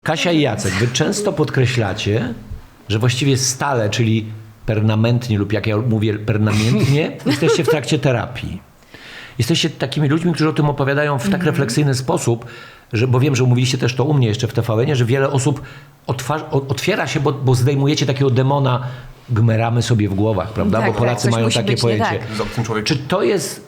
Kasia i Jacek, wy często podkreślacie, że właściwie stale, czyli permanentnie lub jak ja mówię permanentnie, jesteście w trakcie terapii. Jesteście takimi ludźmi, którzy o tym opowiadają w tak refleksyjny sposób, że, bo wiem, że mówiliście też to u mnie jeszcze w TVN-ie, że wiele osób otwiera się, bo zdejmujecie takiego demona, gmeramy sobie w głowach, prawda? Tak, bo Polacy coś mają musi takie być nie pojęcie. tak. Z obcym człowiekiem. Czy to jest,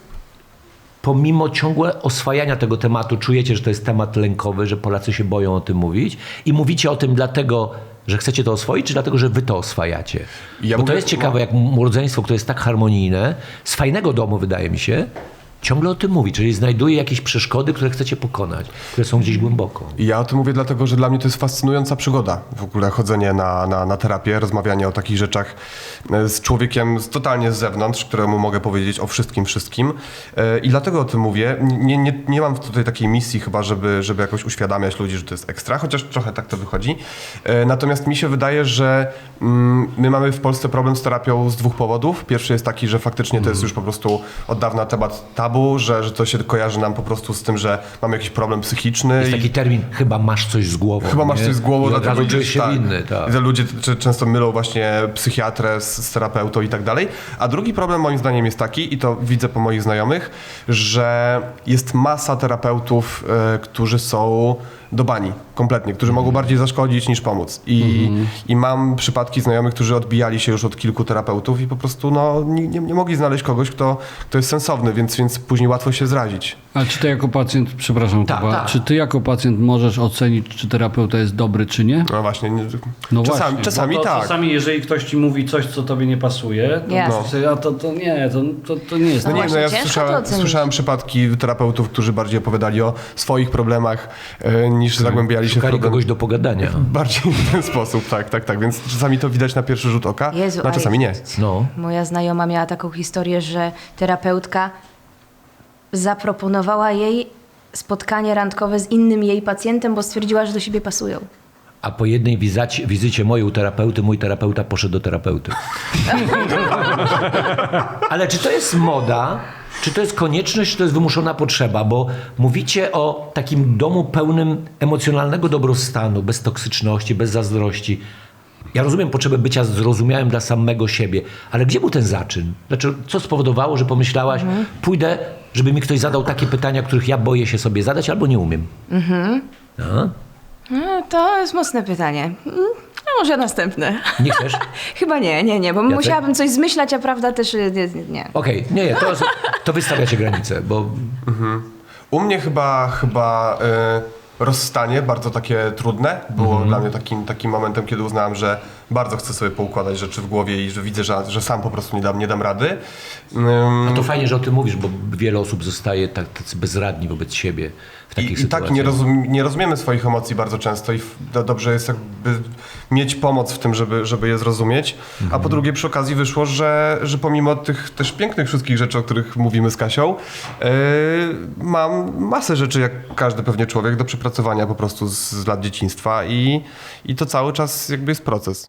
pomimo ciągłe oswajania tego tematu, czujecie, że to jest temat lękowy, że Polacy się boją o tym mówić? I mówicie o tym dlatego, że chcecie to oswoić, czy dlatego, że wy to oswajacie? Ja Bo to mówię- jest ciekawe, jak rodzeństwo, które jest tak harmonijne, z fajnego domu, wydaje mi się, ciągle o tym mówi, czyli znajduje jakieś przeszkody, które chcecie pokonać, które są gdzieś głęboko. I ja o tym mówię dlatego, że dla mnie to jest fascynująca przygoda. W ogóle chodzenie na terapię, rozmawianie o takich rzeczach z człowiekiem totalnie z zewnątrz, któremu mogę powiedzieć o wszystkim. I dlatego o tym mówię. Nie mam tutaj takiej misji chyba, żeby jakoś uświadamiać ludzi, że to jest ekstra, chociaż trochę tak to wychodzi. Natomiast mi się wydaje, że my mamy w Polsce problem z terapią z dwóch powodów. Pierwszy jest taki, że faktycznie to jest już po prostu od dawna temat tabu, że to się kojarzy nam po prostu z tym, że mamy jakiś problem psychiczny. Jest taki termin, chyba masz coś z głową. Chyba masz nie? coś z głową, I od dlatego razu czujesz idziesz, się tak. winny. Tak. Że ludzie często mylą właśnie psychiatrę z terapeutą i tak dalej. A drugi problem moim zdaniem jest taki, i to widzę po moich znajomych, że jest masa terapeutów, którzy są do bani kompletnie, którzy mogą bardziej zaszkodzić niż pomóc. I mam przypadki znajomych, którzy odbijali się już od kilku terapeutów i po prostu nie mogli znaleźć kogoś, kto jest sensowny, więc później łatwo się zrazić. Ale czy ty jako pacjent, przepraszam, Tak, Kuba, tak. czy ty jako pacjent możesz ocenić, czy terapeuta jest dobry, czy nie? No właśnie, No czasami, właśnie, czasami Bo to tak. czasami, jeżeli ktoś ci mówi coś, co tobie nie pasuje, to, Jasne. a to nie, to nie jest. No No nie, właśnie, ja ciężko to ocenić. słyszałem przypadki terapeutów, którzy bardziej opowiadali o swoich problemach, niż zagłębiali się w Szukali problem. kogoś do pogadania. Bardziej w ten sposób, tak. Więc czasami to widać na pierwszy rzut oka, Jezu, a czasami nie. No. Moja znajoma miała taką historię, że terapeutka zaproponowała jej spotkanie randkowe z innym jej pacjentem, bo stwierdziła, że do siebie pasują. A po jednej wizycie mojej u terapeuty, mój terapeuta poszedł do terapeuty. Ale czy to jest moda? Czy to jest konieczność, czy to jest wymuszona potrzeba? Bo mówicie o takim domu pełnym emocjonalnego dobrostanu, bez toksyczności, bez zazdrości. Ja rozumiem potrzebę bycia zrozumiałym dla samego siebie, ale gdzie był ten zaczyn? Znaczy, co spowodowało, że pomyślałaś, pójdę, żeby mi ktoś zadał takie pytania, których ja boję się sobie zadać albo nie umiem? A? No, to jest mocne pytanie. A może następne. Nie chcesz? Chyba nie, bo musiałabym coś zmyślać, a prawda też nie. Okej, nie, to wystawiacie granice, bo U mnie chyba rozstanie, bardzo takie trudne, było dla mnie takim momentem, kiedy uznałem, że bardzo chcę sobie poukładać rzeczy w głowie i że widzę, że sam po prostu nie dam rady. no to fajnie, że o tym mówisz, bo wiele osób zostaje tacy bezradni wobec siebie w takich I sytuacjach. tak nie rozumiemy swoich emocji bardzo często i dobrze jest jakby mieć pomoc w tym, żeby je zrozumieć. A po drugie przy okazji wyszło, że pomimo tych też pięknych wszystkich rzeczy, o których mówimy z Kasią, mam masę rzeczy, jak każdy pewnie człowiek, do przepracowania po prostu z lat dzieciństwa i to cały czas jakby jest proces.